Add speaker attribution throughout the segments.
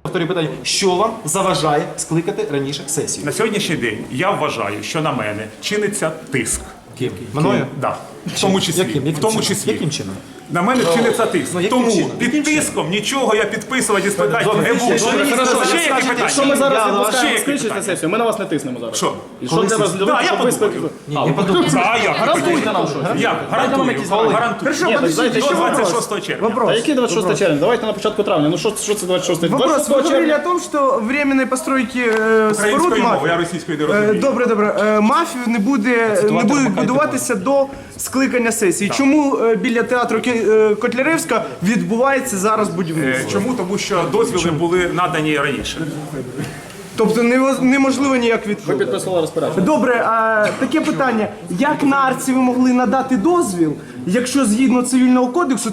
Speaker 1: Повторюю питання, що вам заважає скликати раніше сесію?
Speaker 2: На сьогоднішній день я вважаю, що на мене чиниться тиск.
Speaker 1: Мною?
Speaker 2: Да. В тому числі. В тому числі.
Speaker 1: Яким чином?
Speaker 2: На мене чиниться тиск.
Speaker 1: яким
Speaker 2: Тому
Speaker 1: чином?
Speaker 2: під тиском нічого я підписувати і складати не буду. Ще які питання?
Speaker 3: Якщо ми зараз
Speaker 2: Ще
Speaker 3: відпускаємо
Speaker 2: які
Speaker 3: скличити
Speaker 2: питання?
Speaker 3: сесію, ми на вас не тиснемо зараз.
Speaker 2: Що?
Speaker 3: І що для вас для того,
Speaker 2: Да, я
Speaker 3: щоб ви
Speaker 2: подумаю.
Speaker 3: скликали?
Speaker 2: А як?
Speaker 3: Гарантуйте нам щось.
Speaker 2: Як? Гарантую. Гарантую.
Speaker 3: Ні, так знаєте,
Speaker 2: До
Speaker 3: що
Speaker 2: 26 червня.
Speaker 3: А який 26 червня? Давайте на початку травня. Ну що це 26 червня?
Speaker 4: Вопрос. Вы
Speaker 3: 26
Speaker 4: говорили
Speaker 3: червня.
Speaker 4: о том, что временной постройки споруд
Speaker 2: Українською мовою,
Speaker 4: мафії.
Speaker 2: я російською не розумію.
Speaker 4: Добре. Мафію не будуть будуватися до скликання сесії. Чому біля театру Котляревська відбувається зараз будівництво?
Speaker 2: Чому? Тому що дозвіли були надані раніше.
Speaker 4: Тобто неможливо ніяк відхилити.
Speaker 3: Підписувала розпорядження.
Speaker 4: Добре, а таке питання. Як на арці ви могли надати дозвіл, якщо згідно Цивільного кодексу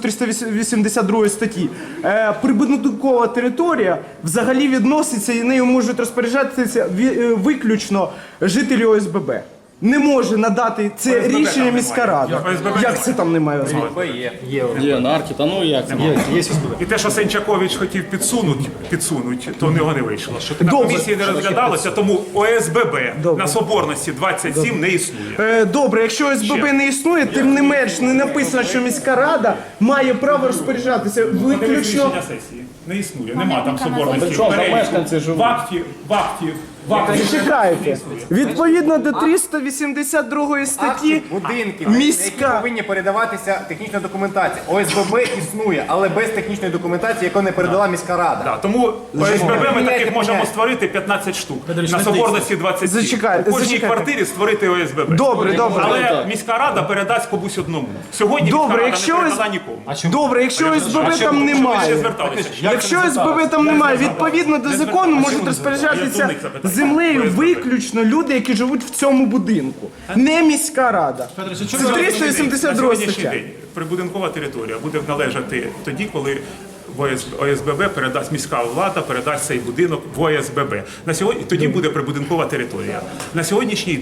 Speaker 4: 382 статті, прибудинкова територія взагалі відноситься і нею можуть розпоряджатися виключно жителі ОСББ? Не може надати це
Speaker 2: ОСББ
Speaker 4: рішення
Speaker 2: там
Speaker 4: міська
Speaker 2: немає.
Speaker 4: рада.
Speaker 2: ОСББ
Speaker 4: Як це там немає ОСББ?
Speaker 3: Є на аркі, та ну як це?
Speaker 2: І те, що Сенчакович хотів підсунуть, то в нього не вийшло. На
Speaker 4: Добре.
Speaker 2: комісії не розглядалося, тому ОСББ на Соборності 27 не існує.
Speaker 4: Добре, якщо ОСББ не існує, тим не менш не написано, що міська рада має право розпоряджатися
Speaker 2: Подивись
Speaker 4: виключно.
Speaker 2: рішення сесії. Не існує, нема там Соборності.
Speaker 3: Причому там
Speaker 2: Переліку.
Speaker 3: мешканці живуть.
Speaker 2: В акті.
Speaker 4: Чекайте. Відповідно до 382 статті
Speaker 5: Будинки,
Speaker 4: міська-
Speaker 5: на які повинні передаватися технічна документація. ОСББ існує, але без технічної документації, яку не передала міська рада.
Speaker 2: Да, тому ОСББ ми таких
Speaker 5: Міняйте
Speaker 2: можемо
Speaker 5: поняття.
Speaker 2: створити 15 штук. На Соборності 27.
Speaker 4: Зачекайте,
Speaker 2: У кожній
Speaker 4: зачекайте.
Speaker 2: квартирі створити ОСББ.
Speaker 4: Добре.
Speaker 2: Але міська рада передасть комусь одному. Сьогодні
Speaker 4: Добре,
Speaker 2: міська рада
Speaker 4: якщо
Speaker 2: не
Speaker 4: ось-
Speaker 2: передала нікому.
Speaker 4: Добре, якщо ОСББ там
Speaker 2: Чому ви ще
Speaker 4: немає.
Speaker 2: зверталися?
Speaker 4: Якщо СББ там немає, відповідно до закону можуть розпоряджатися землею виключно люди, які живуть в цьому будинку. Не міська рада. Це
Speaker 2: На
Speaker 4: 382
Speaker 2: сьогоднішній
Speaker 4: стаття.
Speaker 2: день прибудинкова територія буде належати тоді, коли в ОСББ передасть міська влада, передасть цей будинок в ОСББ. На сьогодні тоді буде прибудинкова територія. На сьогоднішній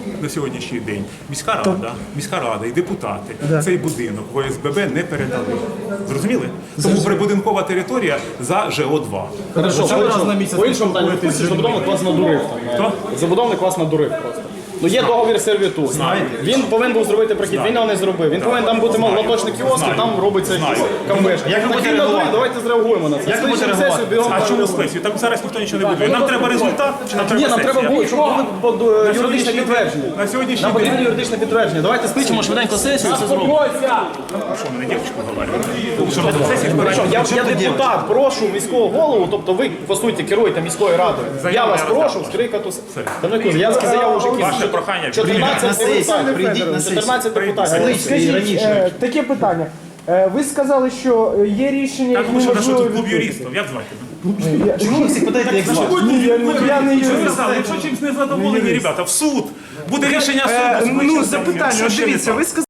Speaker 2: день міська рада і депутати цей будинок в ОСББ не передали. Зрозуміли? Тому прибудинкова територія за ЖО2.
Speaker 3: Хорошо, по-іншому питанню, забудовник вас надурив.
Speaker 2: Хто?
Speaker 3: Забудовник вас надурив просто. Ну є договір сервітут. Він повинен був зробити прохід, він його не зробив. Він повинен там бути лоточний кіоск, і там робиться якийсь камбешка.
Speaker 1: Як ви будете реагувати?
Speaker 3: Давайте зреагуємо на це.
Speaker 1: Як ви будете
Speaker 3: Скличемо
Speaker 1: реагувати?
Speaker 3: сесію, бігом
Speaker 2: А
Speaker 3: там
Speaker 2: чому
Speaker 3: реагуємо.
Speaker 2: спецію? Там зараз ніхто нічого не будує. Нам треба результат чи нам
Speaker 3: Ні,
Speaker 2: треба
Speaker 3: нам треба
Speaker 2: сесія?
Speaker 3: було, щоб було юридичне підтвердження.
Speaker 2: На сьогоднішній
Speaker 3: Нам потрібно
Speaker 2: день.
Speaker 3: юридичне підтвердження. Давайте скличемо швиденько сесію і це зробимо.
Speaker 2: Що мене дівчинку говорить? Що на сесії
Speaker 3: Я депутат, прошу міського голову, тобто ви, по суті, керуєте міською радою. Я вас прошу скрикати. Та ну, я заяву вже
Speaker 2: Ваше
Speaker 3: кину.
Speaker 2: прохання.
Speaker 3: 14 депутатів.
Speaker 1: Прийдіть на сесію.
Speaker 3: 14 депутатів.
Speaker 4: Скажіть, таке питання. Ви сказали, що є рішення,
Speaker 2: Так,
Speaker 4: які
Speaker 2: тому що наш
Speaker 4: неможливо
Speaker 2: тут клуб
Speaker 4: відхилити.
Speaker 2: юристів. Як звати?
Speaker 1: Чому ви всіх питаєте, як звати?
Speaker 4: Ні, я не
Speaker 2: Що ви
Speaker 4: юрист.
Speaker 2: сказали? Якщо чимось не задоволені, ребята, в суд. Буде рішення суду.
Speaker 4: Ну, запитання, от дивіться, ви сказали.